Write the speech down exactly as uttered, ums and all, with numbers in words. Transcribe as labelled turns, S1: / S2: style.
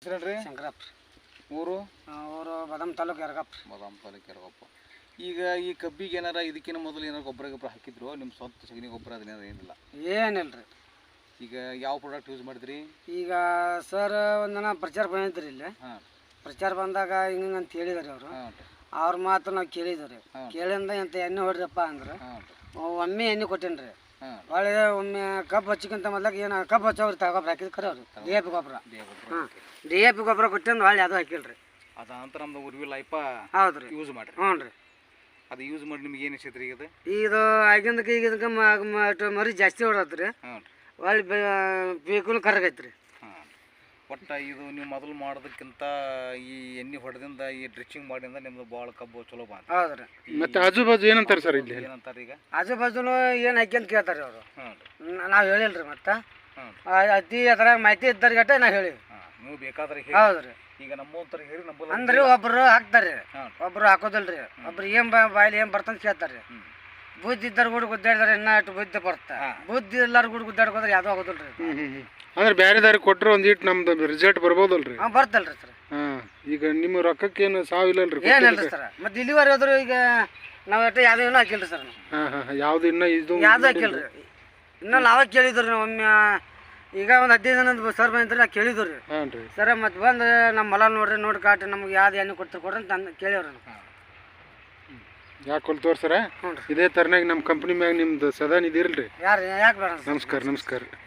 S1: ಹೆಸರೇನ್ರಿ?
S2: ಶಂಕರಪ್ಪ.
S1: ಊರು?
S2: ಊರು ಬದಾಮ್ ತಾಲೂಕು ಯರಗಪ್ಪ.
S1: ಬದಾಮ್ ತಾಲೂಕು ಯರಗಪ್ಪ. ಈಗ ಈ ಕಬ್ಬಿಗೆ ಏನಾರ ಇದಕ್ಕಿಂತ ಮೊದಲು ಏನಾರು ಗೊಬ್ಬರ ಗೊಬ್ಬರ ಹಾಕಿದ್ರು ನಿಮ್ಮ ಸ್ವಂತ ಸಗಣಿ ಗೊಬ್ಬರ ಅದನ್ನೇನಾರ ಏನಿಲ್ಲ?
S2: ಏನಿಲ್ಲ ರೀ.
S1: ಈಗ ಯಾವ ಪ್ರಾಡಕ್ಟ್ ಯೂಸ್ ಮಾಡಿದ್ರಿ?
S2: ಈಗ ಸರ್ ಒಂದನ ಪ್ರಚಾರ ಬಂದಿದ್ರಿ ಇಲ್ಲಿ.
S1: ಹಾಂ,
S2: ಪ್ರಚಾರ ಬಂದಾಗ ಹಿಂಗೆ ಅಂತ ಹೇಳಿದಾರೆ ಅವರು.
S1: ಹಾಂ
S2: ಅವ್ರ ಮಾತು ನಾವು ಕೇಳಿದ್ರಿ. ಕೇಳಿಂದ ಎಂತ ಎಣ್ಣೆ ಹೊಡ್ರಪ್ಪ ಅಂದ್ರೆ
S1: ಹಾಂ
S2: ಒಮ್ಮೆ ಎಣ್ಣೆ ಕೊಟ್ಟೇನಿ ರೀ.
S1: ಹಾಂ
S2: ಒಳ್ಳೆ ಒಮ್ಮೆ ಕಬ್ಬು ಹಚ್ಚಿಕ್ಕಿಂತ ಮೊದ್ಲಾಗ ಏನು ಕಬ್ಬು ಹಚ್ಚೋರು ಗೊಬ್ಬರ ಹಾಕಿದ್ ಖರೆ ಅವ್ರು ಡಿ ಎ ಪಿ ಗೊಬ್ಬರ. ಹಾಂ, ಡಿ ಎ ಪಿ ಗೊಬ್ಬರ ಕೊಟ್ಟಿಂದ ಹೊಳ್ಳಿ ಅದು ಹಾಕಿಲ್ರಿ.
S1: ಅದ ನಂತರ ನಮ್ದು ಉರ್ವಿ ಲೈಫ
S2: ಹೌದು ರೀ,
S1: ಯೂಸ್ ಮಾಡಿರಿ.
S2: ಹ್ಞೂ ರೀ.
S1: ಅದು ಯೂಸ್ ಮಾಡಿ ನಿಮ್ಗೆ ಏನು ಅನಿಸೈತೆ ರೀ? ಇದು
S2: ಇದು ಆಗಿಂದಕ್ಕೆ ಈಗ ಇದಕ್ಕೆ ಮರಿ ಜಾಸ್ತಿ ಹೊಡತ್ತೆ ರೀ.
S1: ಹಾಂ
S2: ಒಳ್ಳೆ ಬೇಕೂ ಕರಗೈತೆ ರೀ.
S1: ಹಾಂ, ಒಟ್ಟು ಇದು ನೀವು ಮೊದಲು ಮಾಡೋದಕ್ಕಿಂತ ಈ ಎಣ್ಣೆ ಹೊಡೆದಿಂದ ಈ ಡ್ರಿಚಿಂಗ್ ಮಾಡಿಂದ ನಿಮ್ದು ಭಾಳ ಕಬ್ಬು ಚಲೋ ಬಂತು.
S2: ಹೌದು ರೀ.
S3: ಮತ್ತೆ ಆಜು ಬಾಜು ಏನಂತಾರೆ ಸರ್ ಇಲ್ಲಿ?
S1: ಏನಂತಾರೆ ಈಗ?
S2: ಆಜು ಬಾಜುನು ಏನು ಹಾಕ್ಯಂತ ಕೇಳ್ತಾರೆ ಅವರು.
S1: ಹಾಂ
S2: ನಾವು ಹೇಳಿಲ್ಲ ರೀ. ಮತ್ತು
S1: ಹಾಂ
S2: ಅತಿ ಅದ್ರಾಗ ಮಾಹಿತಿ ಇದ್ದಾರೆ ಗಟ್ಟೆ ನಾವು ಹೇಳಿವಿ.
S1: ಹಾಂ, ನೀವು ಬೇಕಾದ್ರೆ
S2: ಹೌದು ರೀ.
S1: ಈಗ ನಮ್ಮಂತರ ಹೇಳಿ ನಮ್ಮ
S2: ಅಂದ್ರೆ ಒಬ್ರು ಹಾಕ್ತಾರೆ, ಒಬ್ರು ಹಾಕೋದಿಲ್ರಿ. ಒಬ್ರು ಏನ್ ಬಾಯಿಲಿ ಏನ್ ಬರ್ತಂತ ಕೇಳ್ತಾರೆ. ಬುದ್ಧಿ ಇದ್ದಾರ ಕೂಡ ಗುದ್ದಾಡಿದಾರೆ ಇನ್ನ ಅಷ್ಟು ಬುದ್ಧಿ ಬರುತ್ತೆ. ಬುದ್ಧಿ ಎಲ್ಲಾರು ಕೂಡ ಗುದ್ದಾಡ್ಕೋದ್ರೆ ಯಾವ್ದು ಆಗೋದಿಲ್ರಿ.
S3: ಅಂದ್ರೆ ಬೇರೆ ದಾರಿ ಕೊಟ್ಟರು ಒಂದ್ ಇಟ್ಟು ನಮ್ದು ರಿಸಲ್ಟ್ ಬರ್ಬೋದಲ್ರಿ?
S2: ಹಾಂ, ಬರ್ತಲ್ರಿ ಸರ್.
S3: ಹಾಂ, ಈಗ ನಿಮ್ಮ ರೊಕ್ಕಕ್ಕೇನು ಸಾವಿಲ್ಲಲ್ರಿ?
S2: ಏನಿಲ್ರಿ ಸರ್. ಮತ್ತೆ ಇಲ್ಲಿವರೆ ಹೋದ್ರು ಈಗ ನಾವು ಒಟ್ಟು ಯಾವ್ದು ಏನೂ ಹಾಕಿಲ್ರಿ ಸರ್.
S3: ಹಾಂ ಹಾಂ, ಯಾವ್ದು ಇನ್ನ ಇದು
S2: ಯಾವ್ದು ಹಾಕಿಲ್ರಿ. ಇನ್ನ ನಾವೇ ಕೇಳಿದ್ರಿ ನಾವು ಒಮ್ಮೆ. ಈಗ ಒಂದು ಹದಿನೈದು ದಿನದ ಸರ್ ಬಂದ್ರಿ, ನಾವು ಕೇಳಿದ್ವಿ ರೀ.
S3: ಹಾಂ ರೀ
S2: ಸರ ಮತ್ತೆ ಬಂದು ನಮ್ಮ ಹೊಲ ನೋಡ್ರಿ, ನೋಡಿ ಕಾಟಿ ನಮ್ಗೆ ಯಾವ್ದು ಎಣ್ಣೆ ಕೊಡ್ತಾರೆ ಕೊಡ್ರಿ ಅಂತ ಕೇಳಿವ್ರಿ.
S3: ಯಾಕೆ ಕೊಲ್ತೋರ್ ಸರ?
S2: ಹ್ಞೂ ರೀ.
S3: ಇದೇ ಥರನಾಗಿ ನಮ್ಮ ಕಂಪ್ನಿ ಮ್ಯಾಗ ನಿಮ್ದು ಸದಾ ಇದಿರಲ್ರಿ?
S2: ಯಾರು ಯಾಕೆ ಬೇಡ?
S3: ನಮಸ್ಕಾರ ನಮಸ್ಕಾರ.